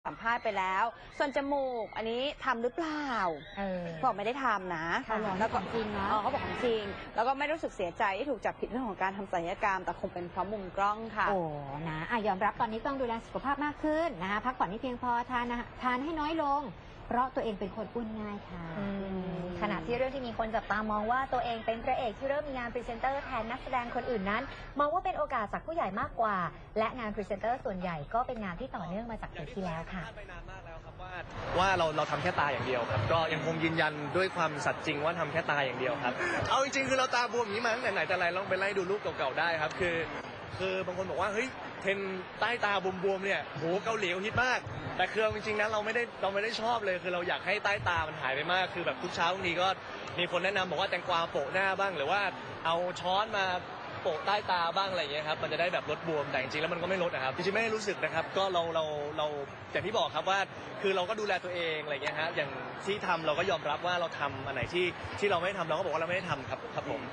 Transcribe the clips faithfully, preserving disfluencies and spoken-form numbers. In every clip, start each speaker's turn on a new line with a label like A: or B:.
A: สัมภาษณ์ไปแล้วส่วนจมูกอันนี้ทำหรือเปล่าเออบอกไม่ได้ทำนะแล้วก็จริงนะเขาบอกของจริงแล้วก็ไม่รู้สึกเสียใจที่ถูกจับผิดเรื่องของการทำศัลยกรรมแต่คงเป็นเพราะมุมกล้องค่ะ
B: โอ้นะอ่ะยอมรับตอนนี้ต้องดูแลสุขภาพมากขึ้นนะคะพักผ่อนให้เพียงพอทานทานให้น้อยลงเพราะตัวเองเป็นคนอ้วนง่ายค่ะ
C: ขณะที่เรื่องที่มีคนจับตามองว่าตัวเองเป็นพระเอกที่เริ่มมีงานพรีเซนเตอร์แทนนักแสดงคนอื่นนั้นมองว่าเป็นโอกาสจากผู้ใหญ่มากกว่าและงานพรีเซนเตอร์ส่วนใหญ่ก็เป็นงานที่ต่อเนื่องมาจากปีที่แล้วค่ะ
D: ว่าเราเราทำแค่ตาอย่างเดียวครับก็ยังคงยืนยันด้วยความสัตย์จริงว่าทำแค่ตาอย่างเดียวครับเอาจริงๆคือเราตาบวมอย่างนี้มาตั้งแต่ไหนแต่ไรลองไปไล่ดูรูปเก่าๆได้ครับคือคือบางคนบอกว่าเฮ้ยเทรนใต้ตาบวมๆเนี่ยโหเกาหลีฮิตมากแต่คือจริงๆนะเราไม่ได้เราไม่ได้ชอบเลยคือเราอยากให้ใต้ตามันหายไปมากคือแบบทุกเช้าบางทีก็มีคนแนะนำบอกว่าแตงกวาโปะหน้าบ้างหรือว่าเอาช้อนมาโปะใต้ตาบ้างอะไรอย่างเงี้ยครับมันจะได้แบบลดบวมแต่จริงๆแล้วมันก็ไม่ลดนะครับจริงๆไม่ได้รู้สึกนะครับก็เราเราเราอย่างที่บอกครับว่าคือเราก็ดูแลตัวเองอะไรอย่างเงี้ยฮะอย่างที่ทำเราก็ยอมรับว่าเราทำอันไหนที่ที่เราไม่ได้ทำเราก็บอกว่าเราไม่ได้ทำครับครับผม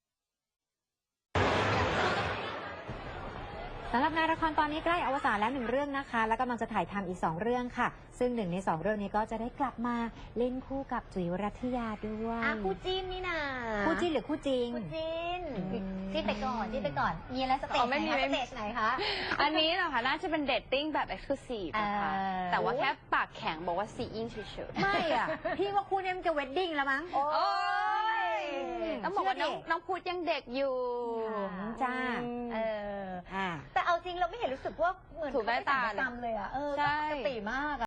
B: สำหรับงานละครตอนนี้ใกล้อวสานแล้วหนึ่งเรื่องนะคะและกำลังจะถ่ายทำอีกสองเรื่องค่ะซึ่งหนึ่งในสองเรื่องนี้ก็จะได้กลับมาเล่นคู่กับจุ๋ยรัตยาด้วย
C: อ่ะคู่จิ้นนี่นะ
B: คู่จิ้นหรือคู่จริง
C: คู่จิ้นจิ้นไปก่อนจิ้นไปก่อนมีอะไรสเตจไหนคะสเตจไหนคะ
A: อันนี้เหรอคะน่าจะเป็นเดทติ้งแบบเอ็กซ์คลูซีฟนะคะแต่ว่าแค่ปากแข็งบอกว่าซีอินเฉย
B: ๆไม่อ่ะพี่ว่าคู่นี้มันจะเวดดิ้งแล้วมั้ง
A: โอ้ยต้องบอกว่าน้องน้องพูดยังเด็กอยู่
B: จ้า
C: เออแต่เอาจริงเราไม่เห็นรู้สึกว่าเหมือน
A: ถูกได้ตา
C: เลยอ่ะเออปกติมาก